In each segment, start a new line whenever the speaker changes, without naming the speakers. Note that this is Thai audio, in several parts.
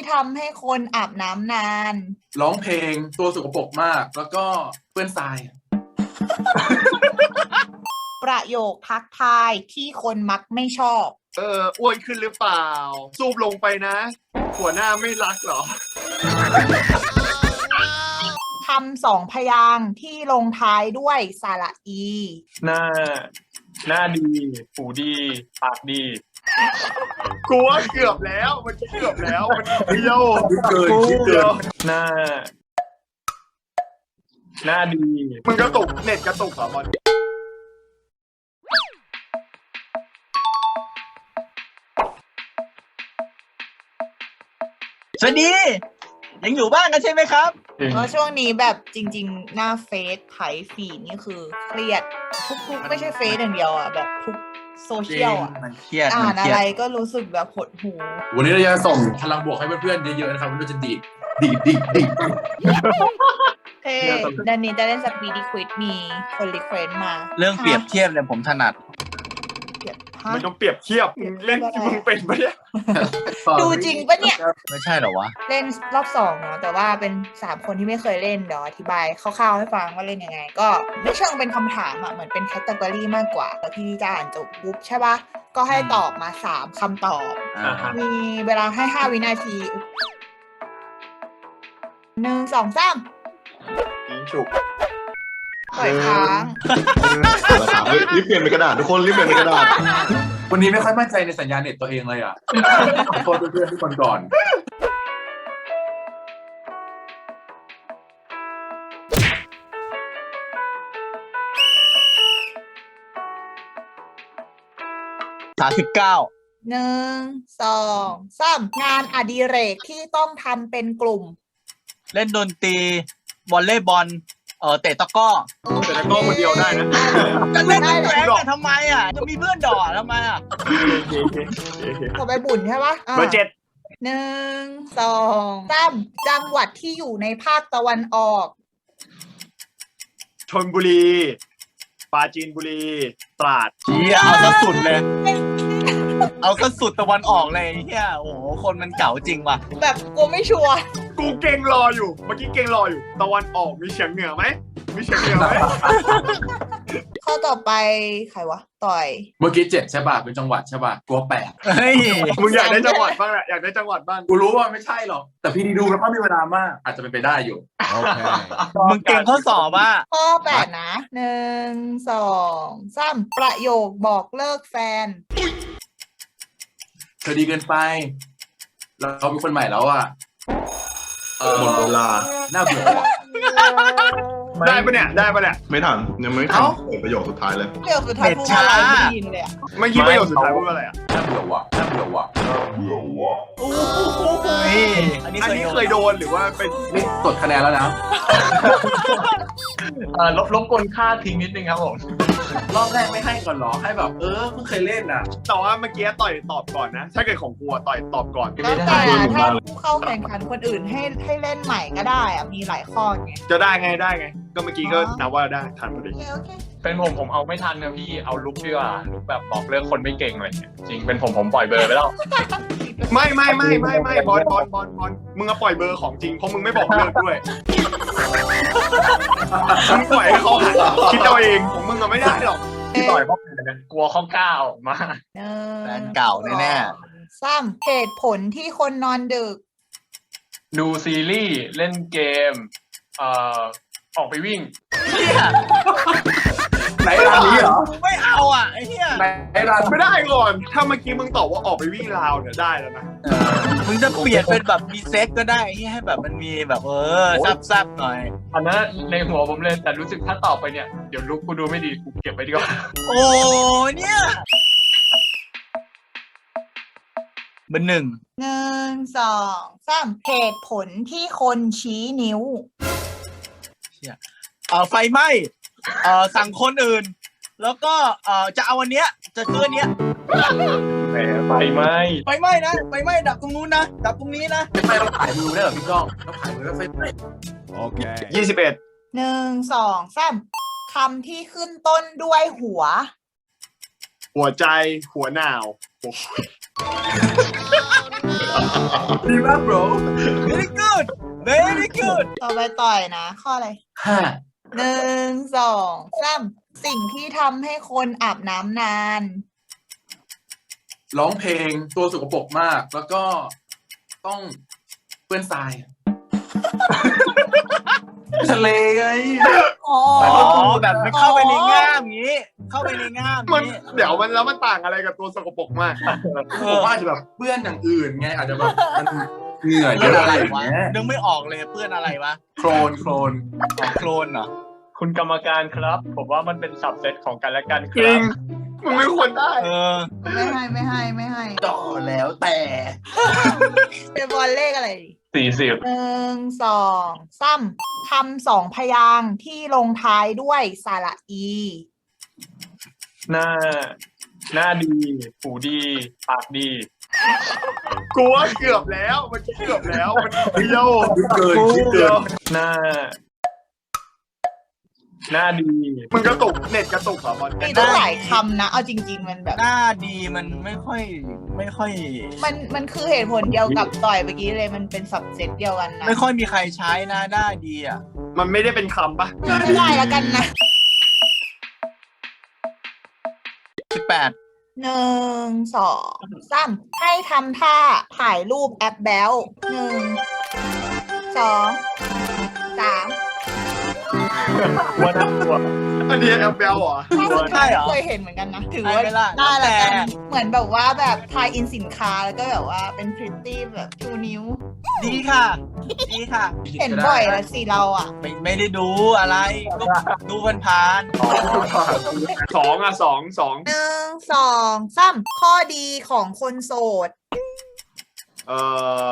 ทำให้คนอาบน้ำนาน
ร้องเพลงตัวสกปรกมาก แล้วก็เปื้อนทราย
ประโยคทักทายที่คนมักไม่ชอบ
อ้วนขึ้นหรือเปล่าซูบลงไปนะหัวหน้าไม่รักเหรอ
คำสองพยางค์ที่ลงท้ายด้วยสระอี
หน้าดีหูดีปากดี
กูว่าเกือบแล้วมันเกือบแล้วมันเดียว
เกินคิดเกิน
หน้าดี
มึงกระตุกเน็ตกระตุกเหรอบอล
สวัสดี ยังอยู่บ้านกันใช่ไหมครับ
เพราะช่วงนี้แบบจริงๆ หน้าเฟซไถฟีดนี่คือเครียดทุกไม่ใช่เฟซอย่างเดียวอ่ะแบบทุกโซเชียลอ่ะ
มันเครียด
อ่า
มัน
น
เค
อะ
รีย
ไร
ด
ก็รู้สึกแบบหดหู
วันนี้เราจะส่งพลังบวกให้เพื่อนๆเยอะๆนะครับว่าเราจะดีด
เฮ้ดันนี้จะเล่นสปีดีควิดมีคนรีเควสมา
เรื่องเปรียบเทียบเนี่ยผมถนัด
เปรียบฮะ
ไม่ต้องเปรียบเทียบมึงเล่นมึงเป็นปะเนี่ย
ดูจริงปะเนี่ย
ไม่ใช่เหรอวะ
เล่นรอบสองเนาะแต่ว่าเป็น3 คนที่ไม่เคยเล่นเดี๋ยวอธิบายคร่าวๆให้ฟังว่าเล่นยังไง ก็ไม่เชิงเป็นคำถามอ่ะเหมือนเป็นแคตตากรีมากกว่าแล้วพี่จะอ่านจบปุ๊บใช่ปะก็ให้ตอบมา3 คำตอบ
อ่าฮะ
มีเวลาให้5 วินาที 1 2 3
ยิงฉุก
ปล่อยค้าง
เฮ้ยรีบเปลี่ยนเป็นกระดาษทุกคนรีบเปลี่ยนเป็นกระดาษ
วันนี้ไม่ค่อยมั่นใจในสัญญาณเน็ตตัวเองเลยอ่ะขอโทษเพื่อนๆทุกคนก่อน
39
1 2 3 งานอดิเรกที่ต้องทำเป็นกลุ่ม
เล่นดนตรีวอลเลย์บอลเตะตะกร้อ
แต่ตะกร้อคนเดียวได้นะ
จะเล่นเป็นแหวนกันทำไมอ่ะ จะมีเพื่อนดอทำไมอ่ะ
ขอไปบุญใช่ปะอ่ะ
เบอร์7
1 2 3 จังหวัดที่อยู่ในภาคตะวันออก
ชลบุรีปราจีนบุรีตราด
เฮียเอาซะสุดเลย เอาซะสุดตะวันออกเลยเฮียโอ้โห คนมันเก่าจริงว่ะ
แบบกูไม่ชัวร์
กูเก่งรออยู่เมื่อกี้เก่งรออยู่ตะวันออกมีเฉียงเหนือไหมมีเฉียงเหนือไหม
ข้อต่อไปใครวะ ต่อย
เมื่อกี้7ใช่ป่ะเป็นจังหวัดใช่ป่ะกลัว8
เฮ้ย
มึงอยากได้จังหวัดบ้างแหละอยากได้จังหวัดบ้าง
กูรู้ว่าไม่ใช่หรอกแต่พี่ดีดูแล้วก็มีเวลามาก อาจจะเป็นไปได้อยู่
มึงเก่งข้อสอบอ่ะ
ข้อ8 นะ 1 2 3 ประโยคบอกเลิกแฟน
เธอดีเกินไปเราเป็นคนใหม่แล้วอ่ะ
หมดเวลา
น่าเบื่อว่ะ
ได้ปะเนี่ยได้ปะเนี่ย
ไม่ทันยังไม่ทั
เอ้า
นเปิดประโยคสุดท้ายเลย
เดี๋ยวสุดท้ายพูดว่าอะไรไม่ได้ยินเลยอะ
เมื่อกี้ประโยคสุดท้ายพูดว่าอะไรอ่ะ
น่าเบื่อว่ะน่าเบื่อว่ะ
เฮ้ย อันนี้
อันนี้เคยโดนหรือว่าเป็น
นี่กดคะแนนแล้วนะ
ลบกวนค่าทิ้งนิดนึงครับผม
รอบแรกไม่ให้ก่อนเหรอให้แบบเพิ่งเคยเล่นอ่ะ
แต่ว่าเมื่อกี้ต่อยตอบก่อนนะ ถ้าเกิดของกูอะต่อยตอบก่อน
แล้วแต่ถ้าผู้เข้าแข่งขันคนอื่นให้เล่นใหม่ก็ได้อะมีหลายข้อไง
จะได้ไงได้ไง ก็เมื่อกี้ก็นับว่าได้ทันพอดี
โอเค
เป็นผมเอาไม่ทันนะพี่เอาลุกดีกว่าลุกแบบบอกเลิกคนไม่เก่งอะไรเงี้ยจริงเป็นผมปล่อยเบอร์ไปแล้ว
ไม่บอลมึงอะปล่อยเบอร์ของจริงเพราะมึงไม่บอกเลิกด้วยมึงปล่อยให้เขาคิดเอาเองของมึงอะไม่ได้หรอก
พี่ต่อยเพราะกลัวข้อก้าวมา
แฟนเก่าแน่
3 เหตุผลที่คนนอนดึก
ดูซีรีส์เล่นเกมออกไปวิ่ง
ๆเฮีย
ไหนร้านนี้เหรอ
ไม่เอาอ่ะไอ้เฮีย
ไหนร้าน
ไม่ได้ก่อน ถ้าเมื่อกี้มึงตอบว่าออกไปวิ่งราวเนี่ยได้แล้วนะ
มึงจะเปลี่ยนเป็นแบบมีเซ็ตก็ได้ให้แบบมันมีแบบซับๆหน่อย
อันนั้นในหัวผมเลยแต่รู้สึกถ้าตอบไปเนี่ยเดี๋ยวลุกกูดูไม่ดีกูเก็บไว้ดีกว่า
โอ้เนี่ยเบอร์ 1
1 2 3 เหตุผลที่คนชี้นิ้ว
ไฟไหม้สั่งคนอื่น แล้วก็จะเอาอันเนี้ยจะซื้ออันเนี้ย
แหมไฟไหม
ไฟไหม้นะไฟไหม้ดับตรงนู้นนะดับตรงนี้นะ
ไม่ต้องถ่ายมือได้เหรอพี่ก้องต้องถ่ายมือแล้วไฟไหม้
21
1 2 3 คำที่ขึ้นต้นด้วยหัว
หัวใจหัวหนาวหัว
ดีมาก bro
very good very good
ต่อไปต่อยนะ ข้ออะไร
5
1 2 3สิ่งที่ทำให้คนอาบน้ำนาน
ร้องเพลงตัวสกปรกมาก แล้วก็ต้องเปื้อนทรายทะเลไง
อ๋อ
อ๋อแบบมันเข้าไปในง่ามอย่างงี้ เข้าไปในง่าม
มัน
นี้
เดี๋ยวมันแล้วมันต่างอะไรกับตัวสกปรกมาก
ผมว่าอาจจะแบบเปื้อนอย่างอื่นไงอาจจะแบบมันเหงื่อเย
เปื้อน
อะ
อะ
อะไร ไร
วะ
เงี้ย
นึกไม่ออกเลยเปื้อนอะไรวะ
โคลน
อ๋อโคลนเหรอ
คุณกรรมการครับ ผมว่ามันเป็นสับเซตของกันและกันค
จริ
รั
ง
บ
มึงไม่ควรได้
เออ
ไม่ให้
ต่อแล้วแต่
เป็นบอลเลขอะไรดี
40
1 2 3คำสองพยางค์ที่ลงท้ายด้วยสระอี
หน้าดีหูดีปากดี
กูว่าเกือบแล้วมันเกือบแล้วมันเดียว
คิดเกินคิดเกิน
หน้าดี
มึงกระตุกเน็ตกระตุกเหรอบอล
มีตั้งหลายคำนะ เอาจริง ๆ มันแบบ
หน้าดีมันไม่ค่อย
มันคือเหตุผลเดียวกับต่อยเมื่อกี้เลย มันเป็นสับเซตเดียวกันนะ
ไม่ค่อยมีใครใช้นะหน้าดีอ่ะ
มันไม่ได้เป็นคำปะ
ไม่ได้แล้วกันนะ
18
1 2 3ให้ทำท่าถ่ายรูปแอปแบล1 2 3
ว่าน่ากลัว
อันนี้แอปเปิลเหรอ
ถ้าสุด
ใช่
ท้าย
เหรอ
เคยเห็นเหมือนกันนะ ถือว่า
ใช่ไหมล่ะ
ได้แล้วกัน
แต่
เหมือนแบบว่าแบบทายอินสินค้าแล้วก็แบบว่าเป็นพริตตี้แบบชูนิ้ว
ดีค่ะ ดีค่ะ
เห็นบ่อยแล้วสิเราอ่ะ
ไม่ได้ดูอะไรก็ดูผ่าน
สองอ่ะสอง
1 2 3ข้อดีของคนโสด
เอ่อ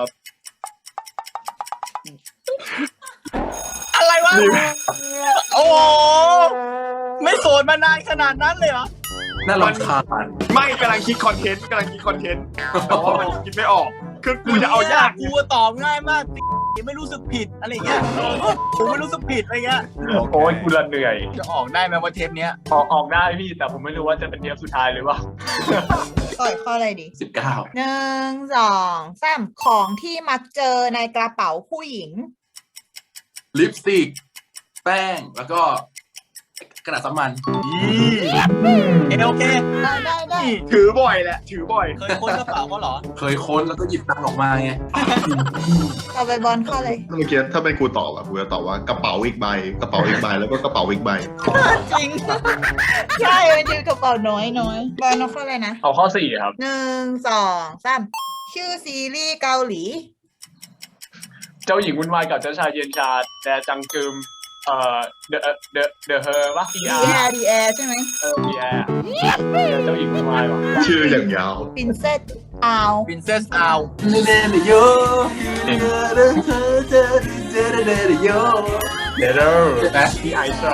ๆอะไรวะ โอ้โหไม่โสดมานานขนาดนั้นเลยเหรอ
น่ารำคาญ
ไม่กำลังคิดคอนเทนต์แต่ว่ามันคิดไม่ออก คือกูจะเอายาก
กูตอบง่ายมากไม่รู้สึกผิดอะไรเงี้ยกูไม่รู้สึกผิดอะไรเงี้ย
โอ้ยกูละเหนื่อย
จะออกได้ไหมว่าเทปเนี้ย
ออกได้พี่ แต่ผมไม่รู้ว่าจะเป็นเทปสุดท้ายหรือเปล่า
ต่อยข้ออะไรดี
19
1 2 3ของที่มักเจอในกระเป๋าผู้หญิง
ลิปสติก แป้ง แล้วก็กระดาษสามัญ
โอเค
ได้
ถือบ่อยแหละ ถือบ่อย
เคยค้นกระเป๋าเขาเหรอ
เคยค้นแล้วก็หยิบตังค์ออกมาไง
ต่อไปบอลข้อเลย
เมื่อกี้ถ้าเป็นกูตอบอะกูจะตอบว่ากระเป๋าอีกใบกระเป๋าอีกใบแล้วก็กระเป๋าอีกใบ
จริง ใช่มันจะกระเป๋าน้อยบอลข้ออะไรนะ
เอาข้อ 4 ครับ
1 2 3ชื่อซีรีส์เกาหลี
เจ้าหญิงวุ่นวายกับเจ้าชายเย็นชาแดจังกึมเดอะเฮอร์วะ
ดีแอร์ใช่ไหม
พีแอร์เจ้าหญิงวุ่นวายวะ
ชื่ออย่างยาว
ปรินเซสอาว
Princess Owl
เดเดโย
เดอร์ที่ไอซ์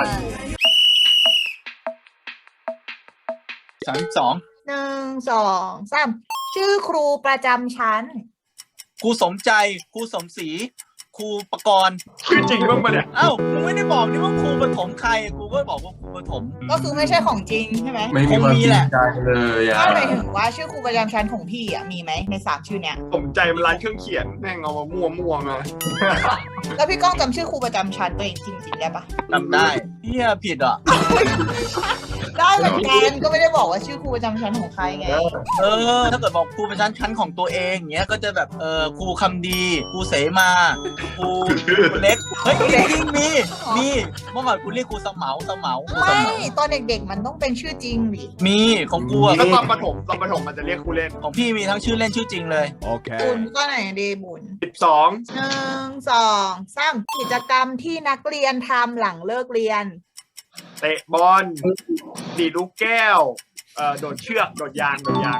32
1 2 3ชื่อครูประจำชั้น
ครูสมใจ ครูสมศรี ครูประกรณ์
ชื่อจริงบ้างปะเนี่ย
เอ้ามึงไม่ได้บอกนี่ว่าครูประถมใคร กูก็บอกว่าครูประถม
ก็คือไม่ใช่ของจริงใช่ไหม
ไม่มีความจริงใจเลยอ่ะ
ก็หมายถึงว่าชื่อครูประจำชั้นของพี่อ่ะมีไหมใน3ชื่อเนี้ย
ผมใจมันร้านเครื่องเขียนแม่งเอามามั่วมา
แล้วพี่ก้องจำชื่อครูประจำชั้นตัวเองจริงๆได้ปะ
จำได้เฮียผิดอ่ะ
ได้เหมือนกันก็ไม่ได้บอกว่าชื่อครูประจำชั้นของใครไง
ถ้าเกิดบอกครูประจำชั้นของตัวเองเงี้ย ก็จะแบบครูคำดี ครูเสมา ครูเล็ก เฮ้ยจริงๆมีเมื่อก่อนกูเรียกครูสมเหมาครูสม
ไม่
เหมา
ตอนเด็กๆมันต้องเป็นชื่อจริงดิ
มีของกูอะ
แล้วตอนประถมมันจะเรียกครูเล่น
ของพี่มีทั้งชื่อเล่นชื่อจริงเลย
บุญก็ไหนดีบุญ
12
1 2 3กิจกรรมที่นักเรียนทำหลังเลิกเรียน
เตะบอลดีดลูกแก้วโดดเชือกโดดยาง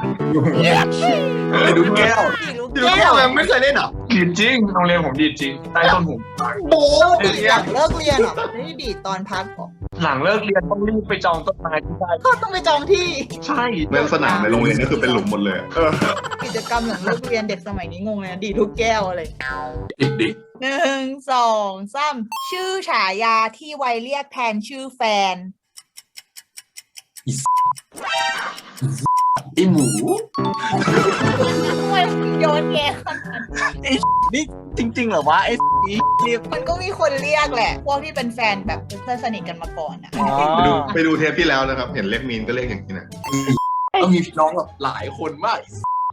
ไปดูแก้ว
ดีลูก
ดีดลูก
แก้
แก้ว
ว
ยังไม่เคยเล่นเหรอ
ดีดจริงโรงเรียนผมดีดจริง ใต้ต้นหู
ดีหลังเลิกเรียนเหรอไม่ได้ดีตอนพักเหรอ
หลังเลิกเรียนต้องรีบไปจองต้นไม้ที่ได้
ก็ต้องไปจองที่
ใช่
แม่งสนามในโรงเรียนก็คือเป็นหลุมหมดเลยอะ
กิจกรรมหลังเลิกเรียนเด็กสมัยนี้งงเลยนะดีลูกแก้วอะไร
ดิก
1 2 3ชื่อฉายาที่ไวยเรียกแทนชื่อแฟน
ไอหมู
ทำไมมึงโยนแยขนาดนั้น
นี่จริงๆเหรอวะไอ้เรียก
มันก็มีคนเรียกแหละ พวกที่เป็นแฟนแบบเป็นเพื่อนสนิทกันมาก่อนอ่ะ
อ๋อ
ไปดูเทปที่แล้วนะครับ เห็นเรียกมีนก็เรียกอย่างนี้นะ
ก็มีพี่น้องแบบหลายคนมาก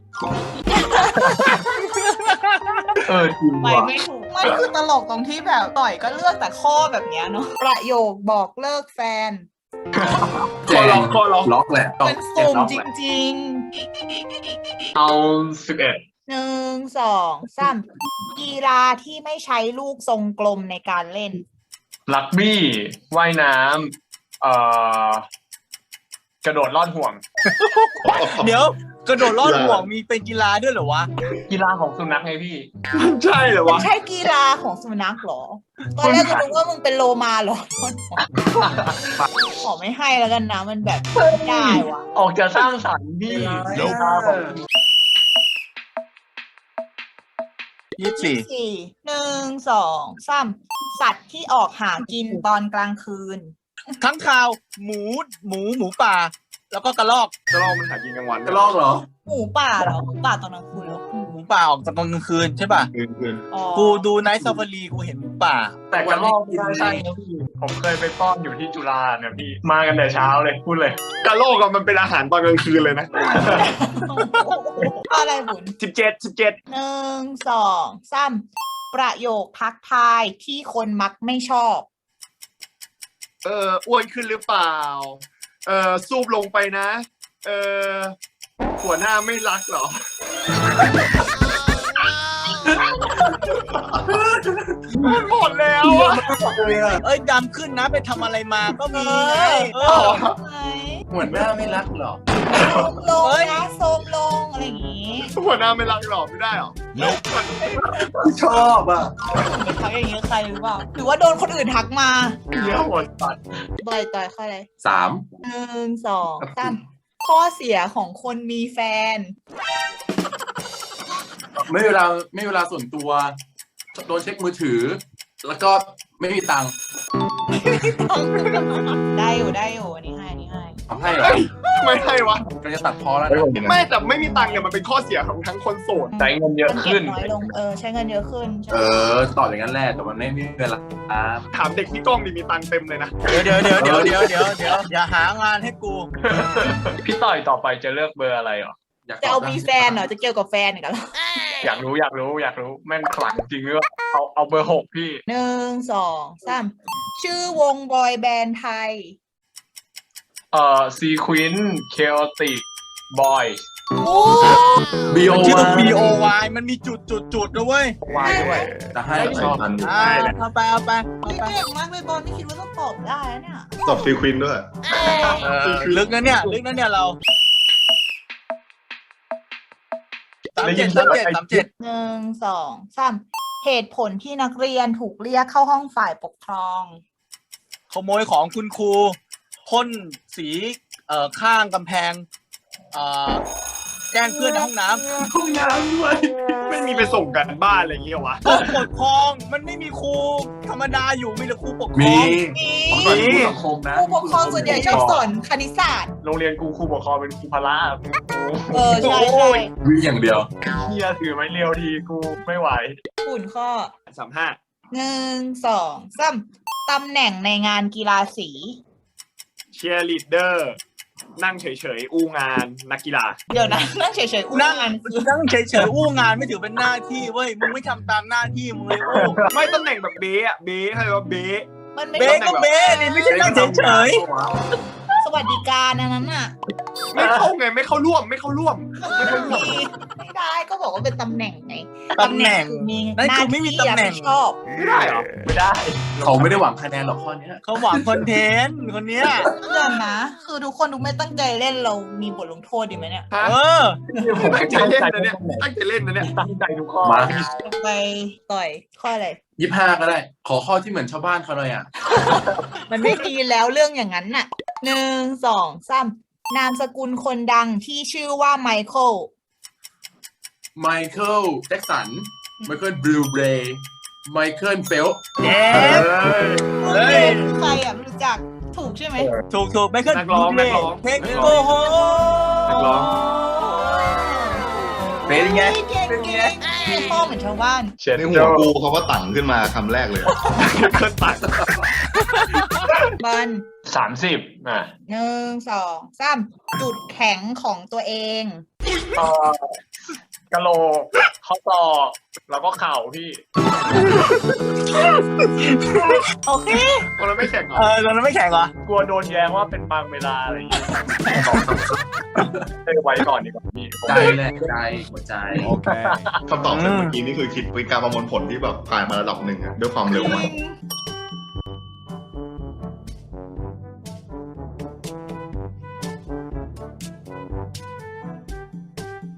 จริง
ไป
ว่ะ
ไม่ถูกมันคือตลกตรงที่แบบต่อยก็เลือกแต่ข้อแบบเนี้ยเนาะประโยคบอกเลิกแฟน
แจงล็อกแหละต้อง
มัน
แจง
สุ่ม
ล็อก
จ
แหละ
ริง
เอา11
ๆ1 2 3กีฬาที่ไม่ใช้ลูกทรงกลมในการเล่น
ลักบี้ว่ายน้ำกระโดดลอดห่วง
เดี๋ยวกระโดดลอดห่วงมีเป็นกีฬาด้วยเหรอวะ
กีฬาของสุนัขไงพี่
ใช่เหรอ
มัน
วะ
ใช่กีฬาของสุนัขเหรอ ตอนแรกกูนึกว่ามึงเป็นโลมาเหรอขอไม่ให้แล้วกันนะ มันแบบไม่ได้ว่ะ
ออกจะสร้างสรรค์พี่กีฬาของ
24
1 2 3สัตว์ที่ออกหากินตอนกลางคืน
ข้างคาวหมูป่า แล้วก็กระรอก
จะลองมันหากินกลางวัน
จะลอกเหรอ
หมูป่าเหรอหมูป่าตอนกลางคืนเหรอ
หมูป่าออกตอนกลางคืนใช่ป่ะ
คืน
อ๋อ
กูดูไนท์ซาฟารีกูเห็นหมูป่า
แต่กระรอกไม่ได้ใช่นะพี่ ผมเคยไปป้อนอยู่ที่จุฬาเนี่ยพี่ มากันแต่เช้าเลยพูดเลย
กะโลกอะมันเป็นอาหารตอนกลางคืนเลยนะ
อะไรบุญ
17
1 2 3ประโยคทักทายที่คนมักไม่ชอบ
อ้วนขึ้นหรือเปล่า ซูบลงไปนะ หัวหน้าไม่รักเหรอ มันหมดแล้วอะ
เอ้ยดำขึ้นนะไปทำอะไรมาก็มีไงเออ
ไหน
หัวหน้าไม่รักหรอ
ลง
เฮ้ย
นะโซมลงอะไรอย่างงี้
หัวหน้าไม่รักหรอไม่ได้หรอ
ชอบอ่ะ
เป็นทักอย่างงี้ใครหรือเปล่าหรือว่าโดนคนอื่นทักมา
เยอะหมดสัตว์
บ่อยต่อยข้ออะไร
3
1 2 3ข้อเสียของคนมีแฟน
ไม่เวลาส่วนตัว โดนเช็คมือถือ แล้วก็ไม่มีตังค์
ได้อยู่อันนี้ให้
ทำให้เหรอ
ไม่ให้วะ
ก็จะตัดพอแล้วนะ
ไม่แต่ไม่มีตังค์เนี่ยมันเป็นข้อเสียของทั้งคนโสด
ใช้เงินเยอะ
มันเก็
ขึ้
บ
น
น้อยลงใช้เงินเยอะขึ้นใช่
ตอบอย่างนั้นแหละแต่มันไม่มีเวลา
ถามเด็กที่กล้องดิมีตังค์เต็มเลยนะ
เดี๋ยวอย่าหางานให้กู
พี่ต่อยต่อไปจะเลือกเบอร์อะไรเหรอ
อยาก
จะ
ต
เอา
บนะ
มีแฟนเหรอจะเกี่ยวกับแฟนอีกเหรอ
อยากรู้แม่งขลังจริงหรือเปล่าเอาเบอร์ 6 พี่
1 2 3ชื่อวงบอยแบนด์ไทย
ซีควินเคโอติกบอย
โอ้
บีโอ
ชื่อ
วา
BOY มันมีจุดนะเว้ย
วายด้วย
จะให้
ชอบทัน
เอาไป
พี่เก่งมากเลยบอลไม่คิดว่าต้องตอบได้นะเนี่ย
ตอบซีควินด้วย
ลึกนะเนี่ยเรา37
1 2 3เหตุผลที่นักเรียนถูกเรียกเข้าห้องฝ่ายปกครอง
ขโมยของคุณครูพ่นสีข้างกำแพงแกล้งเพื่อนในห้องน้ำ
ห้องน้ำด้วย
ไม่มีไปส่งกันบ้านอะไรอย่างเงี้ยวะ
ผู้ปกครองมันไม่มีครูธรรมดาอยู่มีแต่ครูปกคร
มี
อง
ก่อนผู้สังคมนะ
ผู้ปกครองส่วนใหญ่ชอบสอนคณิตศาสตร์
โรงเรียนกูครูปกครองเป็นครูพละ
ใช่
วิ่งอย่างเดียว
เฮียถือไม้เรียวทีกูไม่ไหว
ฝุ่นข้อ
35
1 2 3ตำแหน่งในงานกีฬาสี
เชียร์ลีดเดอร์นั่งเฉยๆ อู้งานนักกีฬา
เดี๋ยวนะนั่งเฉยๆอุ้งงานคือ
นั่งเฉยๆอู้งานไม่ถือเป็นหน้าที่เว้ยมึงไม่ทำตามหน้าที่มึงเลยอู้
ไม่ตำแหน่งแบบเบ๊อะเบ๊เขาเรียกว่าเบ๊
มันไม่
เบ๊
ใช่
ก็เบ๊นี่ไม่ใช่นั่งเฉย
สวัสดิการอันนั้นน่ะ
ไม่เข้าไงไม่เข้าร่วม
ไม่ได้ก็บอกว่าเป็นตำแหน่งไง
ๆตำแหน่ง
คือมี
นั่น
หน้า
คือไม่มี
ที่
ตำแหน่ง
รับผิดชอบ
ไม่ได้เหรอ
ไม่ได้
เขาไม่ได้หวังคะแนนหรอกข้อเนี้ย
เขาหวังคอนเทนต์คนเนี้ย
เรื่องนะ คือทุกคนดูไม่ตั้งใจเล่นเรามีบทลงโทษดีไหมเนี่ย
ฮะ
เออ
ตั้งใจเล่นนะเนี่ยตั้งใจเล่นนะเนี่ย
ตั้งใจทุกข้อ
มา
ไปต่อยข้ออะไร
25ก็ได้ ขอข้อที่เหมือนชาวบ้านเขาหน่อยอ่ะ
มันไม่ดีแล้วเรื่องอย่างนั้นน่ะ1 2 3นามสกุลคนดังที่ชื่อว่าไมเคิล
ไมเคิลแจ็คสัน ไมเคิลบลูเบรย์ ไมเคิลเฟล
เย้
มึง
เฮ้ย
ใครอ่ะไม่รู้จักถูกใช่ไหม
ถูกไม่ขึ้น
นักร้อง
เพลงโกโฮ
นักร้อง
เป็นไง
เก่งเก่งพ่อเหมือนชาวบ้าน
เช็ด
ในหั
โจ้
วกูเขาก็ตั้งขึ้นมาคำแรกเลย
เครื่องตัด
บอล
30อ่ะ
1 2 3จุดแข็งของตัวเอง
กะโหลกข้อต่อแล้วก็เข่าพี่
โอเค
คนเราไม่แข่งเหรอ
ตอนนั้นไม่แข่งเหรอ
กลัวโดนแย้งว่าเป็นบางเวลาอะไรอย่างเงี้ยไว้ก่อนดีกว่าพี่
ใจแหละใจหัวใจ
คำตอบเมื่อกี้นี่คือคิดเป็นการประมวลผลที่แบบผ่านมาระดับหนึ่งอะด้วยความเร็วมาก